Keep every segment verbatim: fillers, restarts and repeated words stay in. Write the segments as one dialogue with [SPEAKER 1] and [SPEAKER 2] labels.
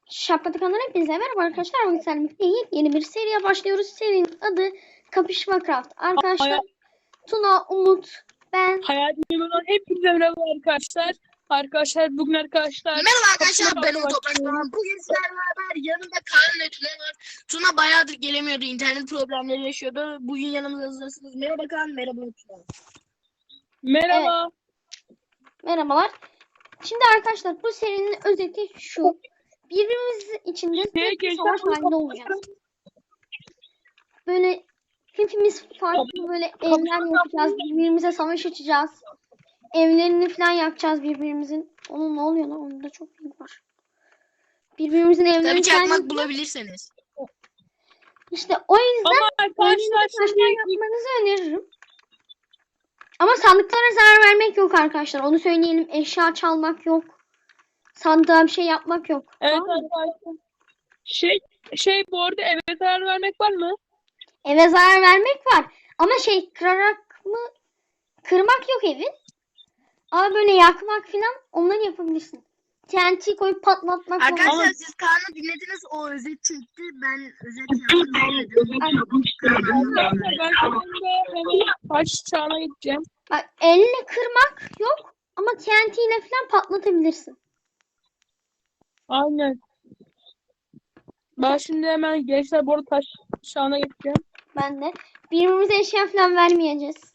[SPEAKER 1] Şapkatı kanalına hepinize merhaba arkadaşlar. Bugün sizlerle birlikte yeni bir seriye başlıyoruz. Serinin adı Kapışma Craft. Arkadaşlar
[SPEAKER 2] Hayat,
[SPEAKER 1] Tuna, Umut, ben.
[SPEAKER 2] hayatımda olan hepinize merhaba arkadaşlar. Arkadaşlar bugün arkadaşlar.
[SPEAKER 3] Merhaba arkadaşlar, ben
[SPEAKER 2] Kapışma
[SPEAKER 3] Umut Toprak. Bugün sizlerle beraber yanımda Kaan ve Tuna var. Tuna bayağıdır gelemiyordu, internet problemleri yaşıyordu. Bugün yanımızda hazırsınız. Merhaba Kaan, merhaba Tuna.
[SPEAKER 2] Merhaba.
[SPEAKER 1] Merhabalar. Şimdi arkadaşlar bu serinin özeti şu. Birbirimiz içinde tek bir savaş halinde olacağız. Böyle hepimiz farklı böyle evler yapacağız. Birbirimize savaş açacağız. Evlerini falan yakacağız birbirimizin. Onun ne oluyor lan? Onda çok büyük var. Birbirimizin evlerini
[SPEAKER 3] Tabii
[SPEAKER 1] falan
[SPEAKER 3] çakmak
[SPEAKER 1] yakacağız.
[SPEAKER 3] bulabilirseniz.
[SPEAKER 1] İşte o yüzden
[SPEAKER 2] Ama arkadaşlar
[SPEAKER 1] taşlar
[SPEAKER 2] şimdi
[SPEAKER 1] yapmanızı öneririm. Ama sandıklara zarar vermek yok arkadaşlar. Onu söyleyelim. Eşya çalmak yok. Sandığa bir şey yapmak yok.
[SPEAKER 2] evet
[SPEAKER 1] Tamam mı?
[SPEAKER 2] arkadaşlar. Şey şey bu arada eve zarar vermek var mı?
[SPEAKER 1] Eve zarar vermek var. Ama şey kırarak mı? Kırmak yok evi. Ama böyle yakmak falan onları yapabilirsin. T N T koyup patlatmak falan.
[SPEAKER 3] Arkadaşlar siz Kaan'ı dinlediniz, o özet çekti. Ben özet yaptım.
[SPEAKER 2] Arkadaşlar ben şimdi hemen taş çağına gideceğim.
[SPEAKER 1] Bak elle kırmak yok. Ama T N T ile falan patlatabilirsin.
[SPEAKER 2] Aynen. Ben şimdi hemen gençler bu arada taş çağına gideceğim.
[SPEAKER 1] Ben de. Birbirimize eşya falan vermeyeceğiz.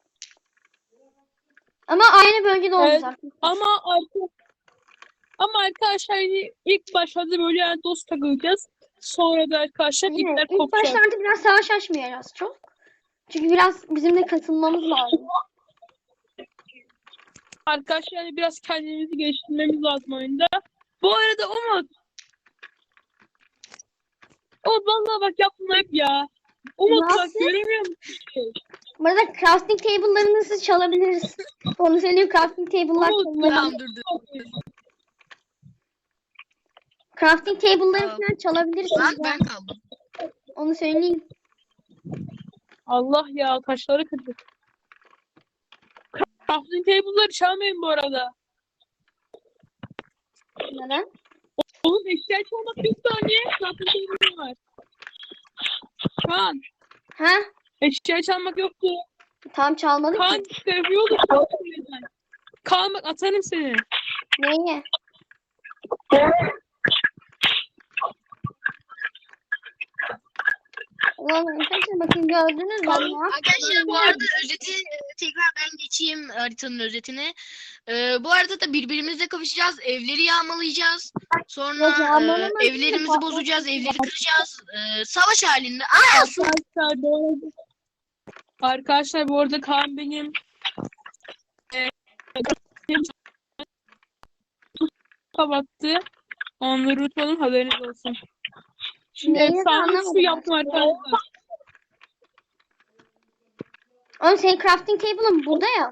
[SPEAKER 1] Ama aynı bölgede olacağız
[SPEAKER 2] Evet,
[SPEAKER 1] artık.
[SPEAKER 2] ama artık ama arkadaşlar hani ilk başlarda böyle yani dost takılacağız. Sonra da arkadaşlar
[SPEAKER 1] Yine
[SPEAKER 2] ipler
[SPEAKER 1] ilk
[SPEAKER 2] kopacak.
[SPEAKER 1] başlarda biraz savaş açmayacağız çok. Çünkü biraz bizim de katılmamız lazım.
[SPEAKER 2] Arkadaşlar yani biraz kendimizi geliştirmemiz lazım oyunda. Bu arada Umut. Umut vallahi bak yaptın hep ya. Umut bak
[SPEAKER 1] Nasıl?
[SPEAKER 2] göremiyor musun?
[SPEAKER 1] Bu arada crafting table'larınızı çalabiliriz. Onu söyleyeyim, crafting table'lar
[SPEAKER 2] Umut,
[SPEAKER 1] çalınabilir.
[SPEAKER 3] Tamam, dur dur.
[SPEAKER 1] Crafting table'ları
[SPEAKER 3] Tamam.
[SPEAKER 1] falan çalabiliriz.
[SPEAKER 3] Lan ben kaldım.
[SPEAKER 1] Onu söyleyeyim.
[SPEAKER 2] Allah ya taşları kırdık. Crafting table'ları çalmayın bu arada.
[SPEAKER 1] Neden?
[SPEAKER 2] Oğlum eşya çalmak bir saniye. Crafting table'ım var. Kaan.
[SPEAKER 1] Ha?
[SPEAKER 2] Eşya çalmak yoktu.
[SPEAKER 1] Tam çalmadık
[SPEAKER 2] Kaan
[SPEAKER 1] ki.
[SPEAKER 2] seviyordu. Kaan bak atarım seni.
[SPEAKER 1] Neye? Ulan arkadaşlar bakın gördünüz mü? Ben ne yaptım?
[SPEAKER 3] Arkadaşlar bu arada özeti e, tekrar ben geçeyim, haritanın özetini. Ee, bu arada da birbirimizle kapışacağız. Evleri yağmalayacağız. Sonra
[SPEAKER 1] Yok, yağmalama
[SPEAKER 3] e,
[SPEAKER 1] değil de
[SPEAKER 3] evlerimizi
[SPEAKER 1] patlat-
[SPEAKER 3] bozacağız. Evleri kıracağız. Ee, savaş halinde. Aa,
[SPEAKER 2] Arkadaşlar bu arada Arkadaşlar bu arada Kaan benim e, kapattı. Onları unutmadım, haberiniz olsun. Şimdi
[SPEAKER 1] Neyi
[SPEAKER 2] efsane
[SPEAKER 1] anlamadım
[SPEAKER 2] su yaptım arkadaşlar.
[SPEAKER 1] Oğlum senin crafting table'ın burada ya.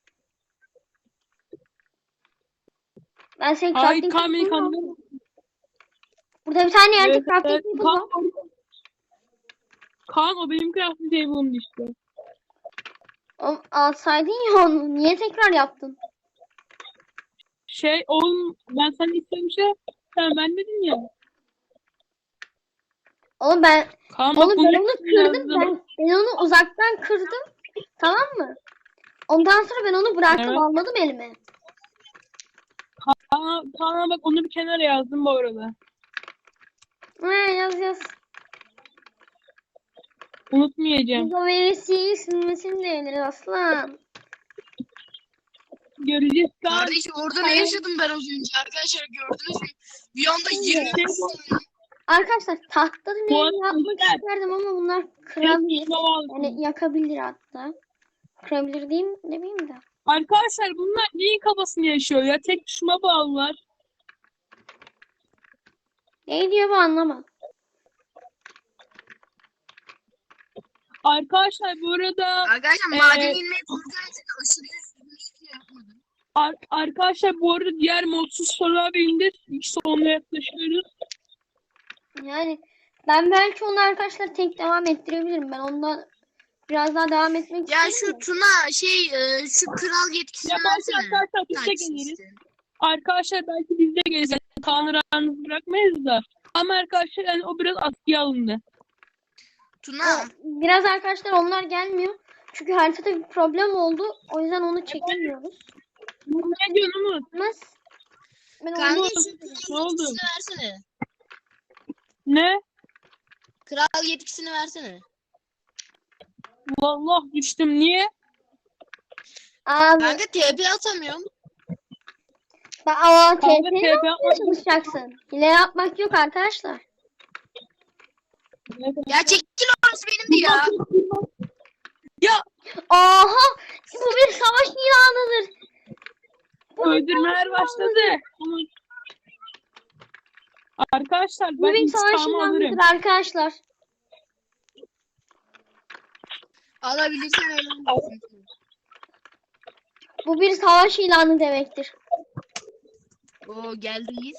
[SPEAKER 1] Ben senin
[SPEAKER 2] Hayır
[SPEAKER 1] crafting
[SPEAKER 2] Kaan beni
[SPEAKER 1] table'ın var.
[SPEAKER 2] kandırdı.
[SPEAKER 1] Burada bir tane yerde
[SPEAKER 2] Evet,
[SPEAKER 1] crafting
[SPEAKER 2] evet.
[SPEAKER 1] table
[SPEAKER 2] Kaan,
[SPEAKER 1] var.
[SPEAKER 2] Kaan o benim crafting table'ımdı işte.
[SPEAKER 1] Oğlum, alsaydın ya onu. Niye tekrar yaptın?
[SPEAKER 2] Şey oğlum ben sana istemişe sen vermedin ya.
[SPEAKER 1] Oğlum ben
[SPEAKER 2] Kaan bak
[SPEAKER 1] Oğlum
[SPEAKER 2] bunu
[SPEAKER 1] ben onu kırdım.
[SPEAKER 2] yazdım.
[SPEAKER 1] Ben, ben onu uzaktan kırdım. Tamam mı? Ondan sonra ben onu bıraktım.
[SPEAKER 2] Evet.
[SPEAKER 1] Almadım elime.
[SPEAKER 2] Kaan, Kaan'a bak onu bir kenara yazdım bu arada.
[SPEAKER 1] He, yaz yaz.
[SPEAKER 2] Unutmayacağım.
[SPEAKER 1] Bu verisiyi silmesini de yeniriz aslan.
[SPEAKER 2] Göreceğiz Kaan.
[SPEAKER 3] kardeş orada ne yaşadım ben az önce? Arkadaşlar gördünüz mü? Bir anda yirmi
[SPEAKER 1] Arkadaşlar tahtadan
[SPEAKER 2] Bu
[SPEAKER 1] ev
[SPEAKER 2] arada
[SPEAKER 1] yapmak
[SPEAKER 2] güzel.
[SPEAKER 1] isterdim ama bunlar kırabilir.
[SPEAKER 2] Yani
[SPEAKER 1] Yani yakabilir hatta. Kırabilir diyeyim demeyeyim de.
[SPEAKER 2] arkadaşlar bunlar neyin kafasını yaşıyor ya? Tek tuşuma bağlılar.
[SPEAKER 1] Ne diyor bu anlamadım.
[SPEAKER 2] Arkadaşlar bu arada
[SPEAKER 3] Arkadaşlar
[SPEAKER 2] Ee,
[SPEAKER 3] maden inmeyi korkuyorum çünkü aşırı üzgünüm, hiçbir şey yapmadım.
[SPEAKER 2] ar- arkadaşlar bu arada diğer modsuz sorular birinde ilk sonuna yaklaşıyoruz.
[SPEAKER 1] Yani ben belki onu arkadaşlar tek devam ettirebilirim. Ben ondan biraz daha devam etmek
[SPEAKER 3] Ya
[SPEAKER 1] istiyorum.
[SPEAKER 3] şu Tuna şey e, şu kral yetkisini
[SPEAKER 2] Ya belki
[SPEAKER 3] versene.
[SPEAKER 2] arkadaşlar biz de
[SPEAKER 3] Taksit
[SPEAKER 2] geliriz.
[SPEAKER 3] işte.
[SPEAKER 2] Arkadaşlar belki biz de geliriz. Kaan'ı rahat bırakmayız da. Ama arkadaşlar yani o biraz askıya alındı.
[SPEAKER 3] Tuna.
[SPEAKER 1] Biraz arkadaşlar onlar gelmiyor. Çünkü haritada bir problem oldu. O yüzden onu çekemiyoruz.
[SPEAKER 2] Ne diyorsun Umut?
[SPEAKER 1] Mas ben
[SPEAKER 3] Kanka
[SPEAKER 1] onu
[SPEAKER 3] şu
[SPEAKER 2] Ne oldu?
[SPEAKER 3] kral yetkisini versene.
[SPEAKER 2] Ne?
[SPEAKER 3] Kral yetkisini versene.
[SPEAKER 2] Vallahi düştüm. Niye?
[SPEAKER 1] abi
[SPEAKER 3] Kanka T P atamıyorum.
[SPEAKER 1] ben ama
[SPEAKER 2] Kanka
[SPEAKER 1] T P'ye
[SPEAKER 2] T P
[SPEAKER 1] yapmaya çalışacaksın. Hile yapmak yok arkadaşlar.
[SPEAKER 3] Ya çekil orası benimdi ya.
[SPEAKER 2] Ya
[SPEAKER 1] Aha! Bu bir savaş ilanıdır.
[SPEAKER 2] öldürmeler başladı. Umut. Arkadaşlar
[SPEAKER 1] Bu
[SPEAKER 2] ben
[SPEAKER 1] bir savaş
[SPEAKER 2] intikamı alırım.
[SPEAKER 1] ilanıdır arkadaşlar.
[SPEAKER 3] Alabilirsen öyle olmasın.
[SPEAKER 1] Bu bir savaş ilanı demektir.
[SPEAKER 3] Oo geldiyiz.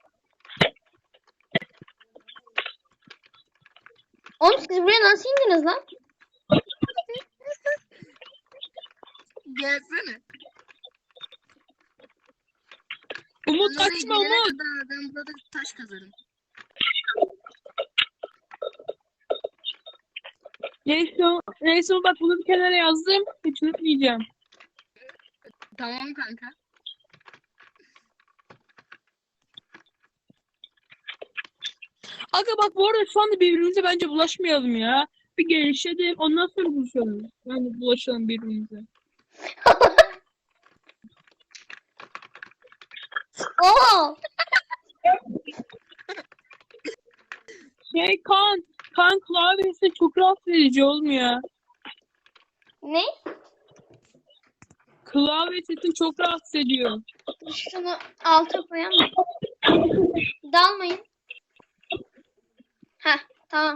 [SPEAKER 1] Oğlum siz buraya nasıl indiniz lan?
[SPEAKER 3] Gelsene.
[SPEAKER 2] Umut
[SPEAKER 3] Ben oraya
[SPEAKER 2] kaçma
[SPEAKER 3] gelene
[SPEAKER 2] Umut.
[SPEAKER 3] kadar ben burada taş kazarım.
[SPEAKER 2] Neyse, neyse bak bunu bir kenara yazdım. Hiç unutmayacağım.
[SPEAKER 3] Tamam kanka.
[SPEAKER 2] Aga bak bu arada şu anda birbirimize bence bulaşmayalım ya. Bir gelişelim ondan sonra buluşalım. Yani bulaşalım birbirimize.
[SPEAKER 1] Oo!
[SPEAKER 2] Şey kan, kan klavyesi çok rahatsız edici olmuyor.
[SPEAKER 1] Ne?
[SPEAKER 2] Klavye sesi çok rahatsız ediyor.
[SPEAKER 1] Şunu alta koyalım. Dalmayın. Heh, tamam.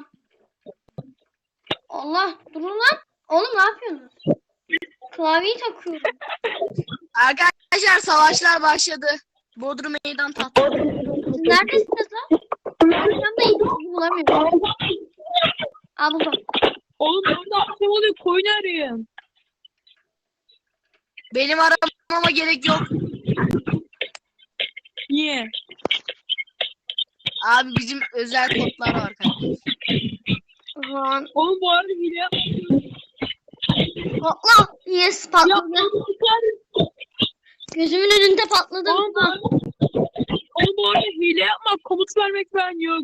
[SPEAKER 1] Allah, durun lan. Oğlum ne yapıyorsunuz? Klavyeyi takıyorum.
[SPEAKER 3] Arkadaşlar savaşlar başladı. Bodrum meydan tahtı.
[SPEAKER 1] Siz neredesiniz lan? Ben yanındayım, sizi bulamıyorum. Aa buldum.
[SPEAKER 2] Oğlum orada akşam oluyor koyun arayın.
[SPEAKER 3] Benim aramama gerek yok.
[SPEAKER 2] Niye?
[SPEAKER 3] Abi bizim özel kodlar var kanka.
[SPEAKER 1] Lan.
[SPEAKER 2] Oğlum bu arada hile yapmışsın.
[SPEAKER 1] Allah! Yes
[SPEAKER 2] Ya
[SPEAKER 1] patladı.
[SPEAKER 2] oğlum,
[SPEAKER 1] Gözümün önünde patladı.
[SPEAKER 2] oğlum, bu arada- oğlum bu arada hile yapmak, komut vermek ben yok.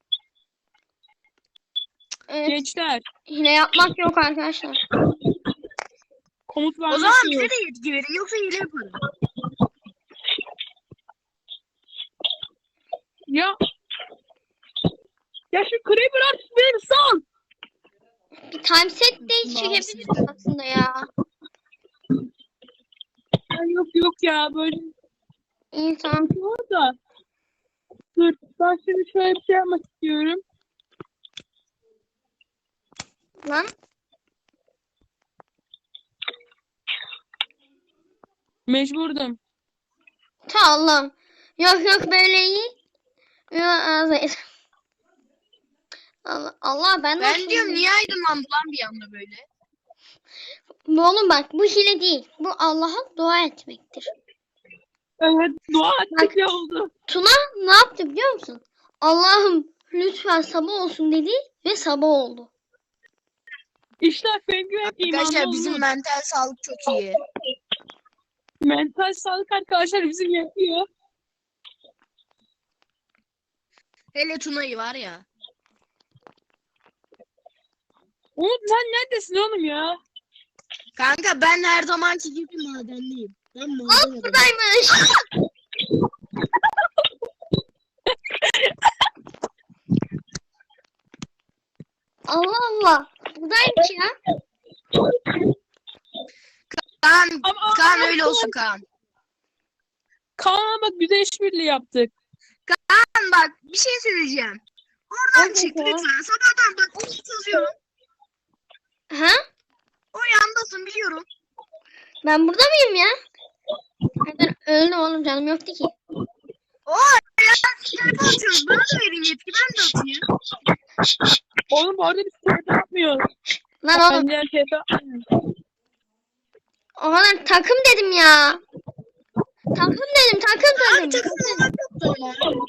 [SPEAKER 1] Evet,
[SPEAKER 2] Gençler,
[SPEAKER 1] hile yapmak yok arkadaşlar.
[SPEAKER 2] komut vermek
[SPEAKER 3] O zaman
[SPEAKER 2] yok.
[SPEAKER 3] bize de yetki verin yoksa hile yaparım.
[SPEAKER 2] Ya ya şu Creeper artık beni sal.
[SPEAKER 1] Bir time set de çekebiliriz aslında ya.
[SPEAKER 2] Ya yok yok ya böyle
[SPEAKER 1] İyi tamam.
[SPEAKER 2] bir şey var da. Dur ben şimdi şöyle bir şey yapmak istiyorum.
[SPEAKER 1] Lan.
[SPEAKER 2] Mecburdum.
[SPEAKER 1] Ta Allah'ım. Yok yok böyle iyi. Yok ağzı. Allah, Allah ben
[SPEAKER 3] Ben
[SPEAKER 1] nasıl
[SPEAKER 3] diyorum
[SPEAKER 1] hile-
[SPEAKER 3] niye aydınlandı lan bir anda böyle?
[SPEAKER 1] Oğlum bak bu hile değil. Bu Allah'a dua etmektir.
[SPEAKER 2] Evet dua ettik ya oldu.
[SPEAKER 1] Tuna ne yaptı biliyor musun? Allah'ım lütfen sabah olsun dedi ve sabah oldu.
[SPEAKER 2] İşler benim gibi hep imanlı
[SPEAKER 3] Arkadaşlar bizim
[SPEAKER 2] oldu.
[SPEAKER 3] mental sağlık çok iyi.
[SPEAKER 2] Mental sağlık arkadaşlar bizim yapıyor.
[SPEAKER 3] Hele Tuna'yı var ya.
[SPEAKER 2] Umut sen neredesin oğlum ya?
[SPEAKER 3] Kanka ben her zamanki gibi madenliyim. Ben maden adamım.
[SPEAKER 1] Buradaymış. Allah Allah. Buradaymış ya.
[SPEAKER 3] Kaan,
[SPEAKER 2] Ama-
[SPEAKER 3] Kaan
[SPEAKER 2] ama-
[SPEAKER 3] öyle olsun Kaan.
[SPEAKER 2] Kaan'a bak güzel işbirliği yaptık.
[SPEAKER 3] Kaan bak bir şey söyleyeceğim. Oradan
[SPEAKER 1] Evet
[SPEAKER 3] çık
[SPEAKER 1] ya.
[SPEAKER 3] lütfen. Sabahtan bak onu yazıyorum.
[SPEAKER 1] Ha?
[SPEAKER 3] O yandasın biliyorum.
[SPEAKER 1] Ben burada mıyım ya? Nereden öldüm oğlum canım yoktu ki.
[SPEAKER 3] Oo ya telefon atıyoruz. Bana da verin yetki ben de atayım.
[SPEAKER 2] Oğlum bu arada biz T P yapmıyoruz.
[SPEAKER 1] Lan oğlum
[SPEAKER 2] Bence T P yapmıyoruz.
[SPEAKER 1] o kadar takım dedim ya. Takım dedim takım
[SPEAKER 3] Abi
[SPEAKER 1] dedim.
[SPEAKER 3] takım olmak yok da ya.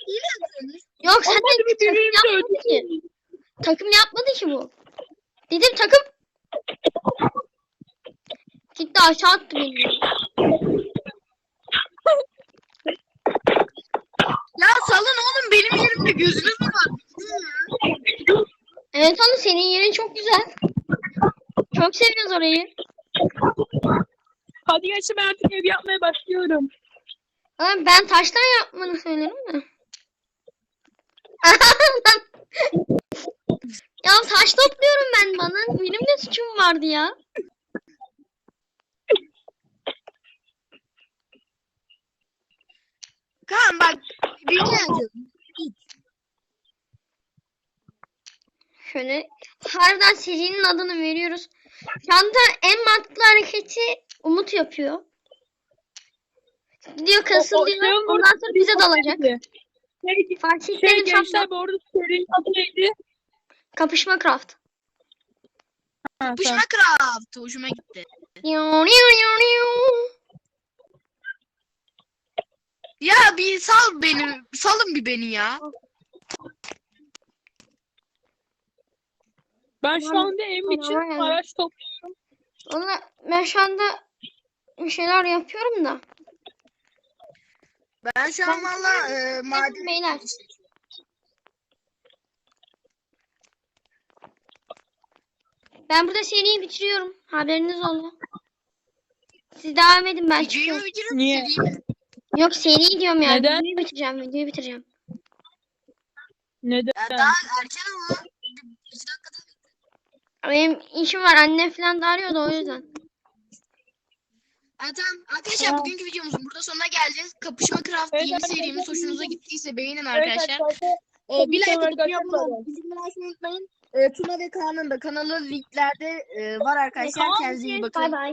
[SPEAKER 2] birbirimizi
[SPEAKER 1] yapmadı ki.
[SPEAKER 2] öldürüyoruz.
[SPEAKER 1] Takım yapmadı ki bu. Dedim takım. Gitti aşağı attı beni.
[SPEAKER 3] Ya salın oğlum, benim yerimde gözünüz mü var?
[SPEAKER 1] Evet oğlum, senin yerin çok güzel. Çok seviyoruz orayı.
[SPEAKER 2] Hadi gençler, ben artık ev yapmaya başlıyorum.
[SPEAKER 1] Ama ben taştan yapmanı söylerim mi? Ya taş topluyorum ben bana. Benim de suçum vardı ya.
[SPEAKER 3] Kaan bak, bir şey yapacağım.
[SPEAKER 1] Şöyle harbiden serinin adını veriyoruz. Şu anda en mantıklı hareketi Umut yapıyor. Gidiyor kasılıyor. Ondan sonra bize dalacak.
[SPEAKER 2] Şey,
[SPEAKER 1] Fark
[SPEAKER 2] şey
[SPEAKER 1] ettiğim çok
[SPEAKER 2] gençler, bu arada serinin adı neydi?
[SPEAKER 1] kapışma craft.
[SPEAKER 2] Ha,
[SPEAKER 3] Pışma
[SPEAKER 2] tamam.
[SPEAKER 3] Craft hoşuma gitti. Ya bir sal beni, salın bir beni ya.
[SPEAKER 2] Ben şu anda evim için
[SPEAKER 1] Tamam, yani.
[SPEAKER 2] araç topluyorum.
[SPEAKER 1] Valla ben şu anda bir şeyler yapıyorum da.
[SPEAKER 3] Ben şu an valla e, maden...
[SPEAKER 1] Beyler. Ben burada seriyi bitiriyorum. Haberiniz olsun. Siz devam edin, ben
[SPEAKER 3] Videoyu mu
[SPEAKER 1] çıkıyorum.
[SPEAKER 3] bitiriyorum,
[SPEAKER 2] Niye?
[SPEAKER 3] seriyi mi?
[SPEAKER 1] Yok, seriyi diyorum yani.
[SPEAKER 2] Neden?
[SPEAKER 1] Videoyu bitireceğim, videoyu bitireceğim.
[SPEAKER 2] Neden?
[SPEAKER 3] Ya daha erken ama. Bir, bir dakikada.
[SPEAKER 1] Benim işim var, annem falan da arıyordu o yüzden.
[SPEAKER 3] Ha, tamam. Arkadaşlar
[SPEAKER 2] Tamam.
[SPEAKER 3] bugünkü videomuzun burada sonuna geleceğiz. Kapışma Craft
[SPEAKER 2] Evet,
[SPEAKER 3] yeni
[SPEAKER 2] arkadaşlar.
[SPEAKER 3] serimiz hoşunuza gittiyse beğenin
[SPEAKER 2] Evet
[SPEAKER 3] arkadaşlar.
[SPEAKER 2] arkadaşlar.
[SPEAKER 3] Ee, bir like
[SPEAKER 2] Tamam
[SPEAKER 3] atıp
[SPEAKER 2] arkadaşlar,
[SPEAKER 3] abone olun.
[SPEAKER 2] bye.
[SPEAKER 3] Bildirimleri açmayı unutmayın. Ee, Tuna ve Kaan'ın da kanalı linklerde e, var arkadaşlar.
[SPEAKER 1] Tamam,
[SPEAKER 3] Kendinize iyi bakın.
[SPEAKER 1] Bay bay.